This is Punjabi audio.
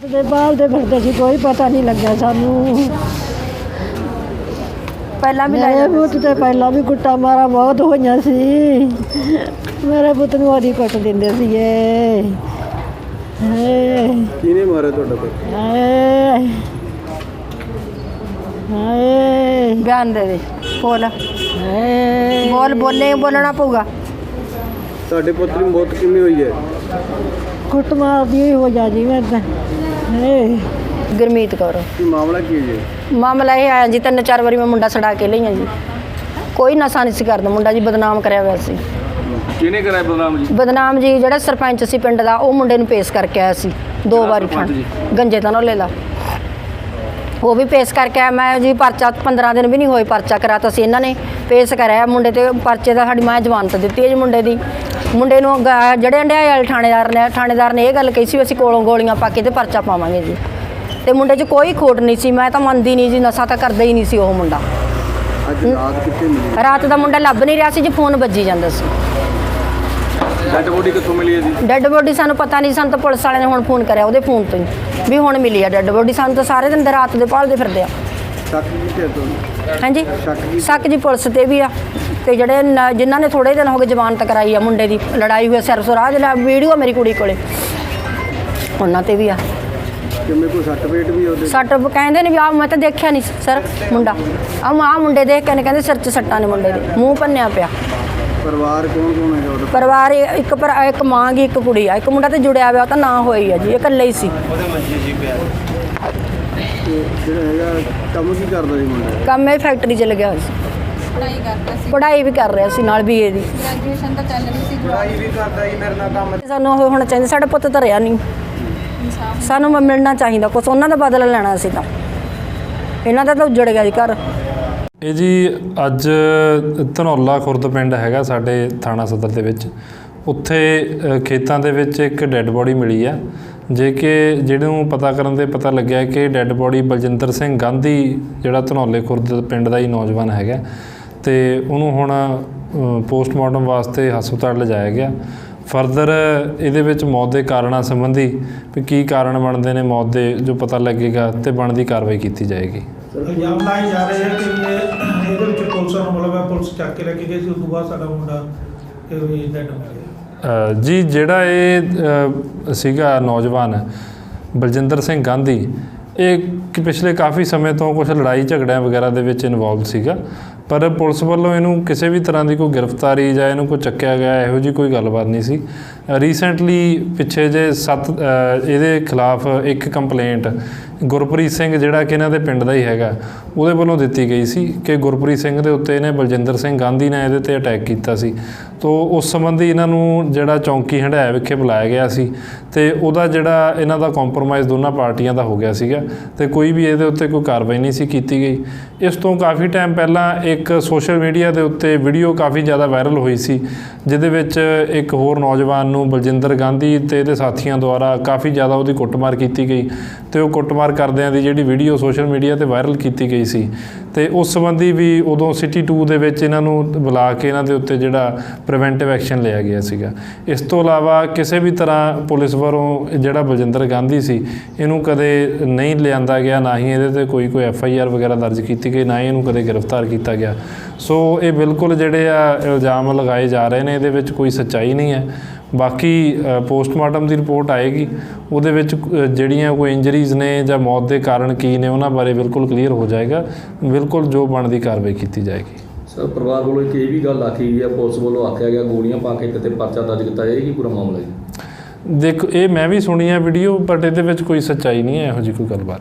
ਦੇ ਬਾਲ ਦੇ ਫਿਰਦੇ ਸੀ, ਕੋਈ ਪਤਾ ਨਹੀਂ ਲੱਗਿਆ ਸਾਨੂੰ। ਪਹਿਲਾਂ ਵੀ ਮੇਰੇ ਪੁੱਤ ਤੇ ਪਹਿਲਾਂ ਵੀ ਕੁੱਟਾ ਮਾਰਾ ਬਹੁਤ ਹੋਈਆਂ ਸੀ। ਮੇਰੇ ਪੁੱਤ ਨੂੰ ਉਹਦੀ ਕੁੱਟ ਦਿੰਦੇ ਸੀਗੇ। ਕਿਹਨੇ ਮਾਰਿਆ ਤੁਹਾਡਾ ਪੁੱਤ? ਹਾਏ ਹਾਏ ਬਿਆਨ ਦੇ ਦੇ, ਬੋਲ ਹਾਏ ਬੋਲ, ਬੋਲਣਾ ਪਊਗਾ। ਤੁਹਾਡੇ ਪੁੱਤ ਦੀ ਮੌਤ ਕਿਵੇਂ ਹੋਈ ਹੈ? ਕੁੱਟ ਮਾਰਦੀ ਹੋ ਜਾ ਜੀ ਮੈਂ ਤਾਂ। ਹਾਏ ਗੁਰਮੀਤ ਕੌਰ। ਕੀ ਮਾਮਲਾ ਕੀ ਹੈ ਜੀ? ਮਾਮਲਾ ਇਹ ਆਇਆ ਜੀ, 3-4 ਵਾਰੀ ਮੈਂ ਮੁੰਡਾ ਛਡਾ ਕੇ ਲਈਆਂ ਜੀ। ਕੋਈ ਨਸ਼ਾ ਨਹੀਂ ਸੀ ਕਰਦਾ ਮੁੰਡਾ ਜੀ, ਬਦਨਾਮ ਕਰਿਆ ਹੋਇਆ ਸੀ। ਕਿਹਨੇ ਕਰਾਇਆ ਬਦਨਾਮ ਜੀ? ਬਦਨਾਮ ਜੀ ਜਿਹੜਾ ਸਰਪੰਚ ਸੀ ਪਿੰਡ ਦਾ, ਉਹ ਮੁੰਡੇ ਨੂੰ ਪੇਸ਼ ਕਰਕੇ ਆਇਆ ਸੀ 2 ਵਾਰੀ ਥਾਣੇ, ਗੰਜੇ ਤਨੋਲੇ ਦਾ। ਉਹ ਵੀ ਪੇਸ਼ ਕਰਕੇ ਆਇਆ। ਮੈਂ ਜੀ ਪਰਚਾ 15 ਦਿਨ ਵੀ ਨਹੀਂ ਹੋਏ, ਪਰਚਾ ਕਰਾਤਾ ਸੀ ਇਹਨਾਂ ਨੇ, ਪੇਸ਼ ਕਰਾਇਆ ਮੁੰਡੇ ਤੇ ਪਰਚੇ ਦਾ। ਸਾਡੀ ਮੈਂ ਜ਼ਮਾਨਤ ਦਿੱਤੀ ਹੈ ਜੀ ਮੁੰਡੇ ਦੀ। ਮੁੰਡੇ ਨੂੰ ਜਿਹੜੇ ਹੰਡਿਆਏ ਵਾਲੇ ਥਾਣੇਦਾਰ ਨੇ ਇਹ ਗੱਲ ਕਹੀ ਸੀ, ਅਸੀਂ ਕੋਲੋਂ ਗੋਲੀਆਂ ਪਾ ਕੇ ਤੇ ਪਰਚਾ ਪਾਵਾਂਗੇ ਜੀ। ਤੇ ਮੁੰਡੇ 'ਚ ਕੋਈ ਖੋਟ ਨਹੀਂ ਸੀ। ਮੈਂ ਤਾਂ ਮੰਨਦੀ ਨਹੀਂ ਜੀ, ਨਸ਼ਾ ਤਾਂ ਕਰਦਾ ਹੀ ਨਹੀਂ ਸੀ ਉਹ ਮੁੰਡਾ। ਅੱਜ ਰਾਤ ਕਿੱਥੇ ਮਿਲੀ? ਰਾਤ ਦਾ ਮੁੰਡਾ ਲੱਭ ਨਹੀਂ ਰਿਹਾ ਸੀ ਜੀ, ਫੋਨ ਵੱਜੀ ਜਾਂਦਾ ਸੀ। ਡੈਡ ਬੋਡੀ ਕਿੱਥੋਂ ਮਿਲੀ ਹੈ ਜੀ? ਡੈੱਡ ਬੋਡੀ ਸਾਨੂੰ ਪਤਾ ਨਹੀਂ, ਸਾਨੂੰ ਤਾਂ ਪੁਲਿਸ ਵਾਲਿਆਂ ਨੇ ਹੁਣ ਫੋਨ ਕਰਿਆ ਉਹਦੇ ਫੋਨ ਤੋਂ ਹੀ ਵੀ ਹੁਣ ਮਿਲੀ ਆ ਡੈੱਡ ਬੋਡੀ। ਸਾਨੂੰ ਤਾਂ ਸਾਰੇ ਦਿਨ ਰਾਤ ਦੇ ਭਾਲਦੇ ਫਿਰਦੇ ਆ। ਸ਼ੱਕ ਕਿੱਥੇ ਤੁਹਾਨੂੰ? ਹਾਂਜੀ, ਸ਼ੱਕ ਜੀ ਪੁਲਿਸ ਤੇ ਵੀ ਆ, ਤੇ ਜਿਹੜੇ ਜਿਨ੍ਹਾਂ ਨੇ ਥੋੜੇ ਦਿਨ ਹੋ ਗਏ ਜ਼ਮਾਨਤ ਕਰਾਈ ਆ ਮੁੰਡੇ ਦੀ, ਲੜਾਈ ਹੋਈ ਸਰਸਰਾਜ ਨਾਲ ਵੀਡੀਓ ਮੇਰੀ ਕੁੜੀ ਕੋਲੇ, ਉਹਨਾਂ ਤੇ ਵੀ ਆ। ਕਿਵੇਂ ਕੋਈ ਸੱਟ ਪੇਟ ਵੀ ਉਹਦੇ? ਸੱਟ ਕਹਿੰਦੇ ਨੇ ਵੀ ਆ, ਮੈਂ ਤਾਂ ਦੇਖਿਆ ਨਹੀਂ ਸਰ ਮੁੰਡਾ। ਆ ਮੁੰਡੇ ਦੇਖ ਕੇ ਨੇ ਕਹਿੰਦੇ ਸਿਰ 'ਚ ਸੱਟਾਂ ਨੇ ਮੁੰਡੇ ਦੇ, ਮੂੰਹ ਭੰਨਿਆ ਪਿਆ। ਪਰਿਵਾਰ ਕੌਣ ਹੈਗਾ ਉਹਦਾ? ਪਰਿਵਾਰ ਇੱਕ ਮਾਂ ਗੀ, ਇੱਕ ਕੁੜੀ ਆ, ਇੱਕ ਮੁੰਡਾ ਤੇ ਜੁੜਿਆ ਹੋਇਆ, ਉਹ ਤਾਂ ਨਾ ਹੋਈ ਆ ਜੀ, ਇਹ ਇਕੱਲੇ ਹੀ ਸੀ। ਜਿਹੜਾ ਹੈਗਾ ਕੰਮ ਕੀ ਕਰਦਾ ਜੀ ਮੁੰਡਾ? ਕੰਮ ਇਹ ਫੈਕਟਰੀ 'ਚ ਲੱਗਿਆ ਹੋਇਆ ਸੀ। ਪੜ੍ਹਾਈ ਵੀ ਕਰ ਰਿਹਾ ਸੀ ਨਾਲ BA ਦੀ। ਗ੍ਰੈਜੂਏਸ਼ਨ ਤਾਂ ਚੱਲ ਰਹੀ ਸੀ। ਪੜ੍ਹਾਈ ਵੀ ਕਰਦਾ ਜੀ ਮੇਰੇ ਨਾਲ ਕੰਮ। ਸਾਨੂੰ ਉਹ ਹੋਣਾ ਚਾਹੀਦਾ, ਸਾਡਾ ਪੁੱਤ ਤਾਂ ਰਿਹਾ ਨਹੀਂ, ਸਾਨੂੰ ਮਿਲਣਾ ਚਾਹੀਦਾ ਕੁਛ, ਉਹਨਾਂ ਦਾ ਬਦਲਾ ਲੈਣਾ ਸੀ ਤਾਂ। ਇਹਨਾਂ ਦਾ ਤਾਂ ਉੱਜੜ ਗਿਆ ਜੀ ਘਰ। ਇਹ ਜੀ ਅੱਜ ਧਨੌਲਾ ਖੁਰਦ ਪਿੰਡ ਹੈਗਾ ਸਾਡੇ ਥਾਣਾ ਸਦਰ ਦੇ ਵਿੱਚ, ਉੱਥੇ ਖੇਤਾਂ ਦੇ ਵਿੱਚ ਇੱਕ ਡੈੱਡ ਬੋਡੀ ਮਿਲੀ ਆ। ਜੇ ਕਿ ਜਿਹਨੂੰ ਪਤਾ ਕਰਨ ਦੇ ਪਤਾ ਲੱਗਿਆ ਕਿ ਡੈੱਡ ਬੋਡੀ ਬਲਜਿੰਦਰ ਸਿੰਘ ਗਾਂਧੀ, ਜਿਹੜਾ ਧਨੌਲੇ ਖੁਰਦ ਪਿੰਡ ਦਾ ਹੀ ਨੌਜਵਾਨ ਹੈਗਾ, ਤੇ ਉਹਨੂੰ ਹੁਣ ਪੋਸਟਮਾਰਟਮ ਵਾਸਤੇ ਹਸਪਤਾਲ ਲਿਜਾਇਆ ਗਿਆ। ਫਰਦਰ ਇਹਦੇ ਵਿੱਚ ਮੌਤ ਦੇ ਕਾਰਨਾਂ ਸੰਬੰਧੀ ਵੀ ਕੀ ਕਾਰਨ ਬਣਦੇ ਨੇ ਮੌਤ ਦੇ, ਜੋ ਪਤਾ ਲੱਗੇਗਾ ਤੇ ਬਣਦੀ ਕਾਰਵਾਈ ਕੀਤੀ ਜਾਏਗੀ। ਇਲਜ਼ਾਮ ਲਾਏ ਜਾ ਰਹੇ ਹੈ ਕਿ ਇਹਦੇ ਵਿੱਚ ਪੁਲਿਸ ਨੂੰ ਮਤਲਬ ਹੈ, ਪੁਲਿਸ ਚੱਕ ਕੇ ਲੈ ਕੇ ਗਈ ਸੀ, ਉਸ ਤੋਂ ਬਾਅਦ ਸਾਡਾ ਮੁੰਡਾ ਇਹ ਡੈਡ ਹੋ ਗਿਆ। ਜੀ ਜਿਹੜਾ ਇਹ ਸੀਗਾ ਨੌਜਵਾਨ ਬਲਜਿੰਦਰ ਸਿੰਘ ਗਾਂਧੀ, ਇਹ ਪਿਛਲੇ ਕਾਫੀ ਸਮੇਂ ਤੋਂ ਕੁਝ ਲੜਾਈ ਝਗੜਿਆਂ ਵਗੈਰਾ ਦੇ ਵਿੱਚ ਇਨਵੋਲਵ ਸੀਗਾ, ਪਰ ਪੁਲਿਸ ਵੱਲੋਂ ਇਹਨੂੰ ਕਿਸੇ ਵੀ ਤਰ੍ਹਾਂ ਦੀ ਕੋਈ ਗ੍ਰਿਫਤਾਰੀ ਜਾਂ ਇਹਨੂੰ ਕੋਈ ਚੱਕਿਆ ਗਿਆ ਇਹੋ ਜਿਹੀ ਕੋਈ ਗੱਲਬਾਤ ਨਹੀਂ ਸੀ। ਰੀਸੈਂਟਲੀ ਪਿੱਛੇ ਜੇ ਇਹਦੇ ਖਿਲਾਫ ਇੱਕ ਕੰਪਲੇਂਟ ਗੁਰਪ੍ਰੀਤ ਸਿੰਘ, ਜਿਹੜਾ ਕਿ ਇਹਨਾਂ ਦੇ ਪਿੰਡ ਦਾ ਹੀ ਹੈਗਾ, ਉਹਦੇ ਵੱਲੋਂ ਦਿੱਤੀ ਗਈ ਸੀ ਕਿ ਗੁਰਪ੍ਰੀਤ ਸਿੰਘ ਦੇ ਉੱਤੇ ਇਹਨੇ ਬਲਜਿੰਦਰ ਸਿੰਘ ਗਾਂਧੀ ਨੇ ਇਹਦੇ 'ਤੇ ਅਟੈਕ ਕੀਤਾ ਸੀ। ਤੋ ਉਸ ਸੰਬੰਧੀ ਇਹਨਾਂ ਨੂੰ ਜਿਹੜਾ ਚੌਂਕੀ ਹੰਡਿਆਇਆ ਵਿਖੇ ਬੁਲਾਇਆ ਗਿਆ ਸੀ, ਤੇ ਉਹਦਾ ਜਿਹੜਾ ਇਹਨਾਂ ਦਾ ਕੰਪਰੋਮਾਈਜ਼ ਦੋਨਾਂ ਪਾਰਟੀਆਂ ਦਾ ਹੋ ਗਿਆ ਸੀਗਾ, ਤੇ ਕੋਈ ਵੀ ਇਹਦੇ ਉੱਤੇ ਕੋਈ ਕਾਰਵਾਈ ਨਹੀਂ ਸੀ ਕੀਤੀ ਗਈ। ਇਸ ਤੋਂ ਕਾਫੀ ਟਾਈਮ ਪਹਿਲਾਂ ਇੱਕ ਸੋਸ਼ਲ ਮੀਡੀਆ ਦੇ ਉੱਤੇ ਵੀਡੀਓ ਕਾਫੀ ਜ਼ਿਆਦਾ ਵਾਇਰਲ ਹੋਈ ਸੀ, ਜਿਹਦੇ ਵਿੱਚ ਇੱਕ ਹੋਰ ਨੌਜਵਾਨ ਨੂੰ ਬਲਜਿੰਦਰ ਗਾਂਧੀ ਤੇ ਇਹਦੇ ਸਾਥੀਆਂ ਦੁਆਰਾ ਕਾਫੀ ਜ਼ਿਆਦਾ ਉਹਦੀ ਕੁੱਟਮਾਰ ਕੀਤੀ ਗਈ, ਤੇ ਉਹ ਕੁੱਟਮਾਰ ਕਰਦਿਆਂ ਦੀ ਜਿਹੜੀ ਵੀਡੀਓ ਸੋਸ਼ਲ ਮੀਡੀਆ 'ਤੇ ਵਾਇਰਲ ਕੀਤੀ ਗਈ ਸੀ। ਤੇ ਉਸ ਸੰਬੰਧੀ ਵੀ ਉਦੋਂ ਸਿਟੀ 2 ਦੇ ਵਿੱਚ ਇਹਨਾਂ ਨੂੰ ਬੁਲਾ ਕੇ ਇਹਨਾਂ ਦੇ ਉੱਤੇ ਜਿਹੜਾ ਪ੍ਰੀਵੈਂਟਿਵ ਐਕਸ਼ਨ ਲਿਆ ਗਿਆ ਸੀਗਾ। ਇਸ ਤੋਂ ਇਲਾਵਾ ਕਿਸੇ ਵੀ ਤਰ੍ਹਾਂ ਪੁਲਿਸ ਵੱਲੋਂ ਜਿਹੜਾ ਬਲਜਿੰਦਰ ਗਾਂਧੀ ਸੀ, ਇਹਨੂੰ ਕਦੇ ਨਹੀਂ ਲਿਆਂਦਾ ਗਿਆ, ਨਾ ਹੀ ਇਹਦੇ 'ਤੇ ਕੋਈ FIR ਵਗੈਰਾ ਦਰਜ ਕੀਤੀ ਗਈ, ਨਾ ਹੀ ਇਹਨੂੰ ਕਦੇ ਗ੍ਰਿਫਤਾਰ ਕੀਤਾ ਗਿਆ। ਸੋ ਇਹ ਬਿਲਕੁਲ ਜਿਹੜੇ ਆ ਇਲਜ਼ਾਮ ਲਗਾਏ ਜਾ ਰਹੇ ਨੇ, ਇਹਦੇ ਵਿੱਚ ਕੋਈ ਸੱਚਾਈ ਨਹੀਂ ਹੈ। ਬਾਕੀ ਪੋਸਟਮਾਰਟਮ ਦੀ ਰਿਪੋਰਟ ਆਏਗੀ, ਉਹਦੇ ਵਿੱਚ ਜਿਹੜੀਆਂ ਕੋਈ ਇੰਜਰੀਜ਼ ਨੇ ਜਾਂ ਮੌਤ ਦੇ ਕਾਰਨ ਕੀ ਨੇ ਉਹਨਾਂ ਬਾਰੇ ਬਿਲਕੁਲ ਕਲੀਅਰ ਹੋ ਜਾਏਗਾ। ਬਿਲਕੁਲ ਜੋ ਬਣਦੀ ਕਾਰਵਾਈ ਕੀਤੀ ਜਾਏਗੀ। ਸਰ, ਪਰਿਵਾਰ ਵੱਲੋਂ ਇੱਕ ਇਹ ਵੀ ਗੱਲ ਆਖੀ ਗਈ ਹੈ, ਪੁਲਿਸ ਵੱਲੋਂ ਆਖਿਆ ਗਿਆ ਗੋਲੀਆਂ ਪਾ ਕੇ ਤੇ ਪਰਚਾ ਦਰਜ ਕੀਤਾ ਜਾਏਗੀ, ਪੂਰਾ ਮਾਮਲਾ ਜੀ? ਦੇਖੋ, ਇਹ ਮੈਂ ਵੀ ਸੁਣੀ ਹੈ ਵੀਡੀਓ, ਬਟ ਇਹਦੇ ਵਿੱਚ ਕੋਈ ਸੱਚਾਈ ਨਹੀਂ ਹੈ, ਇਹੋ ਜਿਹੀ ਕੋਈ ਗੱਲਬਾਤ।